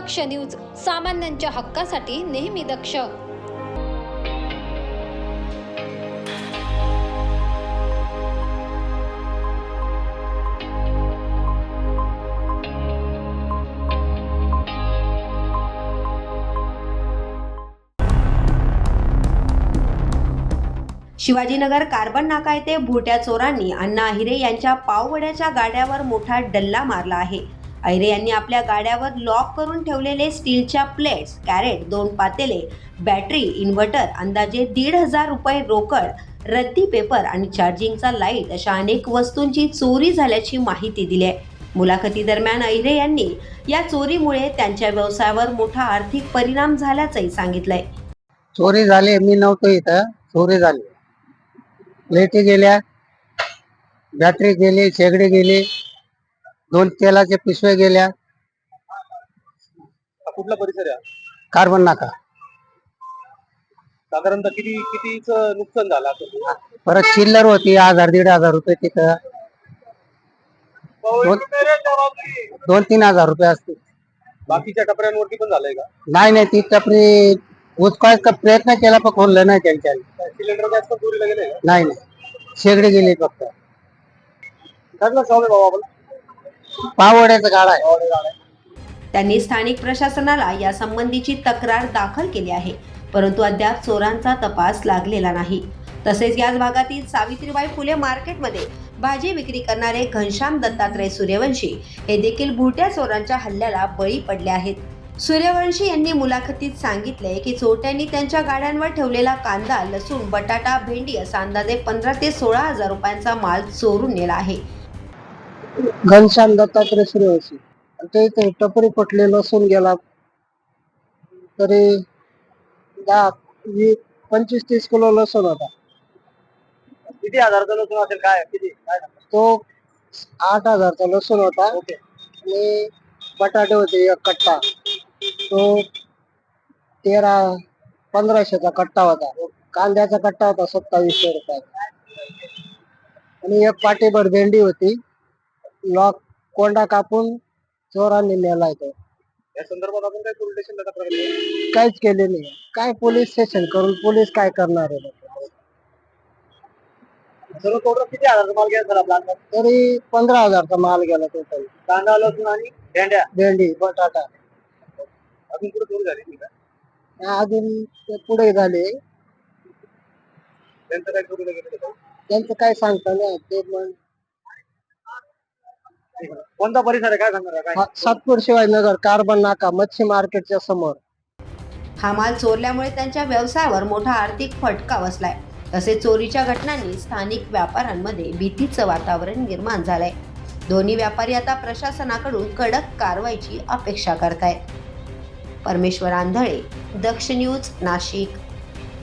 दक्ष news, सामान्यांच्या हक्कासाठी नेहमी दक्ष. शिवाजीनगर कार्बन नाका येथे भुरट्या चोरांनी अण्णा अहिरे यांच्या पाववड्याच्या गाड्यावर मोठा डल्ला मारला आहे. अहिरे यांनी आपल्या गाड्यावर लॉक करून ठेवलेले स्टीलच्या प्लेट्स, कॅरेट, 2 पातेले, बॅटरी, इन्व्हर्टर, अंदाजे 1,500 रुपये रोकड, रद्दी पेपर आणि चार्जिंगचा लाईट अशा अनेक वस्तूंची चोरी झाल्याची माहिती दिली आहे. मुलाखतीदरम्यान अहिरे यांनी या चोरीमुळे त्यांच्या व्यवसायावर मोठा आर्थिक परिणाम झाल्याचंही सांगितलंय. चोरी झाली, मी नव्हतो इथं, चोरी झाली. लाईटी गेल्या, बॅटरी गेली, शेगडी गेली, 2 तेलाचे पिशवे गेल्या. कुठला परिसर आहे? कार्बन नाका. साधारणतः कितीच नुकसान झालं असं? परत चिल्लर होती 1,000-1,500 रुपये तिथं. 2-3 हजार रुपये असतील. बाकीच्या टपऱ्यांवरती पण झालंय का? नाही, ती टपरी उचकायचा प्रयत्न केला पण खोललं नाही त्यांच्या. सिलेंडर गॅस पण चोरीला गेले? नाही, शेगडी गेली फक्त. पाववड्याचा गाडा आहे. त्यांनी स्थानिक प्रशासनाला या संबंधीची तक्रार दाखल केली आहे, परंतु अद्याप चोरांचा तपास लागलेला नाही. तसेच याच भागातील सावित्रीबाई फुले मार्केटमध्ये भाजी विक्री करणारे घनश्याम दत्तात्रय सूर्यवंशी हे देखील भुरट्या चोरांच्या हल्ल्याला बळी पडले आहेत. सूर्यवंशी यांनी मुलाखतीत सांगितले की चोरट्यांनी त्यांच्या गाड्यांवर ठेवलेला कांदा, लसूण, बटाटा, भेंडी असा अंदाजे 15,000 ते 16,000 रुपयांचा माल चोरून नेला आहे. घनश्याम दत्तात्रय सूर्यवंशी ते टपरी पटले, लसूण गेला तरी 25-30 किलो लसूण होता. किती हजाराचा लसूण असेल? काय तो 8,000चा लसूण होता. आणि बटाटे होते 1 कट्टा, तो 1,300-1,500चा कट्टा होता. कांद्याचा कट्टा होता 2700 रुपयाचा. आणि 1 पाटीभर भेंडी होती. लॉक कोंडा कापून चोरांनी नेला तो. या संदर्भात आपण काय पोलीस स्टेशनला तक्रार केली? काहीच केले नाही. काय पोलीस स्टेशन करून पोलीस काय करणार आहे? सर्व टोटल किती हजाराचा माल गेला सर आपला? तरी 15,000चा माल गेला टोटल. कांदा, लसूण आणि भेंडी, बटाटा. अजून पुढे चोरी झाली का? अजून ते पुढे झाले. त्यांचं काय चोरीला गेलं? त्यांचं काय सांगता नाही ते. कोणता परिसर आहे, काय सांगणार काय? सातपूर शिवाजीनगर कार्बन नाका मच्छी मार्केटच्या समोर. हा माल चोरल्यामुळे त्यांच्या व्यवसायावर मोठा आर्थिक फटका बसलाय. तसेच चोरीच्या घटनांनी स्थानिक व्यापाऱ्यांमध्ये भीतीचं वातावरण निर्माण झालंय. दोन्ही व्यापारी आता प्रशासनाकडून कडक कारवाईची अपेक्षा करतायत. परमेश्वर आंधळे, दक्ष न्यूज, नाशिक.